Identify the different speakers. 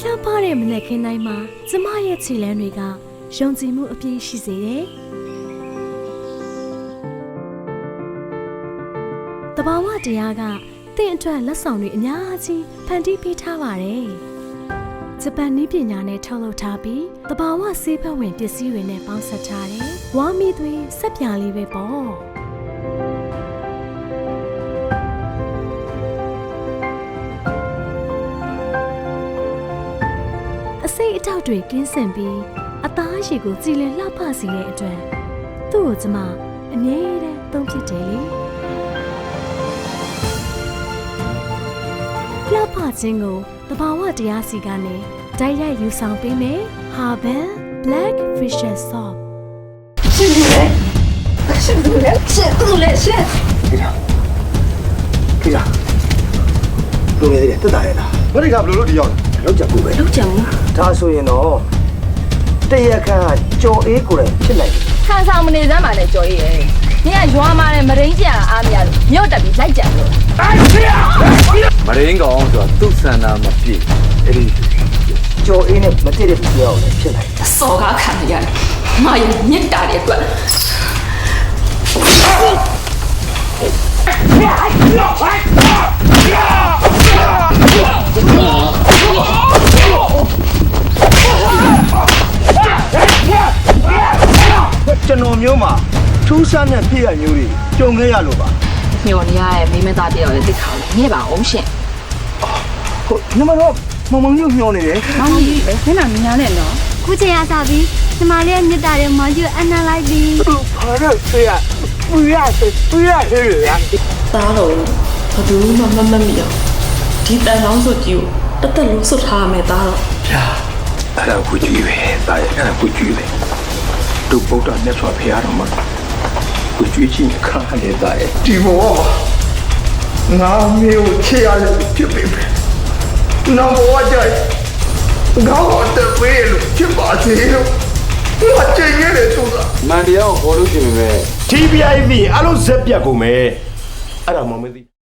Speaker 1: လှမ်းပါတဲ့မနက်ခင်းတိုင်းမှာကျမရဲ့ခြေလမ်းတွေကယုံကြည်မှုအပြည့်ရှိစေတယ်။တဘာဝတရားကတင့်အတွက်လက်ဆောင်တွေအများကြီးဖန်တီးပေးထားပါတယ်။ဂျပန်နည်းပညာနဲ့ထုတ်လုပ်ထားပြီးတဘာဝဆေးဘက်ဝင်ပစ္စည်းတွေနဲ့ပေါင်းစပ်ထားတယ်။ဝါမီသွေးစက်ပြာလေးပဲပေါ့။အစိတ်အတောက်တွေကင်းစင်ပြီးအသားရည်ကိုကြည်လင်လှပစေတဲ့အတွက်သူ့ကိုကျမအမြဲတမ်းသုံးဖြစ်တယ်လေလှပခြင်းကိုတဘာဝတရားစီကနေတိုက်ရိုက်ယူဆောင်ပေးမယ် Haban Black Fisher Soap
Speaker 2: ရှင်သူလဲရှင်
Speaker 3: ခေတာလူငယ်တွေတက်တာရဲ့လားဘာတွေကဘလို့လို့ဒီရောက်လဲလောက်ကြဘူးပဲ
Speaker 2: လောက်ကြံဘူး
Speaker 3: ဒါဆိုရင်တော့တရခန့်ကကြော်အေးကိုယ်တိုင်ဖြစ်နိုင်တယ်
Speaker 2: ခံဆောင်မနေစမ်းပါနဲ့ကြော်ရည်ရဲ့နင်ကရွာမှာနဲ့မရင်းကြံအားမရလို့မြို့တက်ပြီးလိုက်ကြံလို့
Speaker 4: မရင်းကောင်ဆိုတာသူ့ဆန္ဒမပြည့်အဲ့ဒီ
Speaker 3: ကြော်အေးနဲ့မတည့်တဲ့သူရောက်လည်းဖြစ်နိုင်တယ်
Speaker 2: စော်ကားခံရတယ်ငါရဲ့မြစ်တာတွေအတွက်
Speaker 3: ကျွန်တော်မျိုးမှာထူးဆန်းတဲ့ဖြစ်ရမျိုးတွေကြုံခဲ့ရလို့ပါ
Speaker 2: ညော်နေရရဲ့မိမသားတယောက်လည်းတိတ်ခါလို့ညဲ့ပါအောင်ရှင်
Speaker 3: ဟုတ်ညီမတော့မမမျိုးမျောနေတယ်
Speaker 2: မောင်ကြီးပဲခဏမြင်ရနဲ့နော်
Speaker 1: ခုချိန်ရစပြီးညီမလေးရဲ့မြစ်တာတွေမောင်ကြီးအနာလိုက်ပြီး
Speaker 3: ဘာလို့ဆွေးရပူရဟဲ့ရ
Speaker 5: သားတော်ဘယ်သူမှမမတ်မိအောင်ဒီတန်ကောင်းစုကြီးကိုတက်တက်လုံးစွတ်ထားရမယ်သားတော်
Speaker 6: ဗျာအဲ့ဒါကိုကြည့်ပဲဒါရဲ့အဲ့ဒါကိုကြည့်ပဲတို့ဗုဒ္ဓမြတ်စွာဘုရားတော်မှာကိုကြည့်ချင်းခါနေတာရဲ့ဒီဘောငါမျိုးချေရလို့ဖြစ်ပေမဲ့နောက်ဘဝကျရင်ငါ့ကိုတပည့်လို့ဖြစ်ပါစေလို့ငါကြင်ရတယ်ဆိုတာ
Speaker 4: မန်တရားကိုခေါ်လို့ရှိရင်ပဲ
Speaker 7: TPIV အလုံးဇက်ပြတ်ကုန်မယ်အဲ့ဒါမှမသိ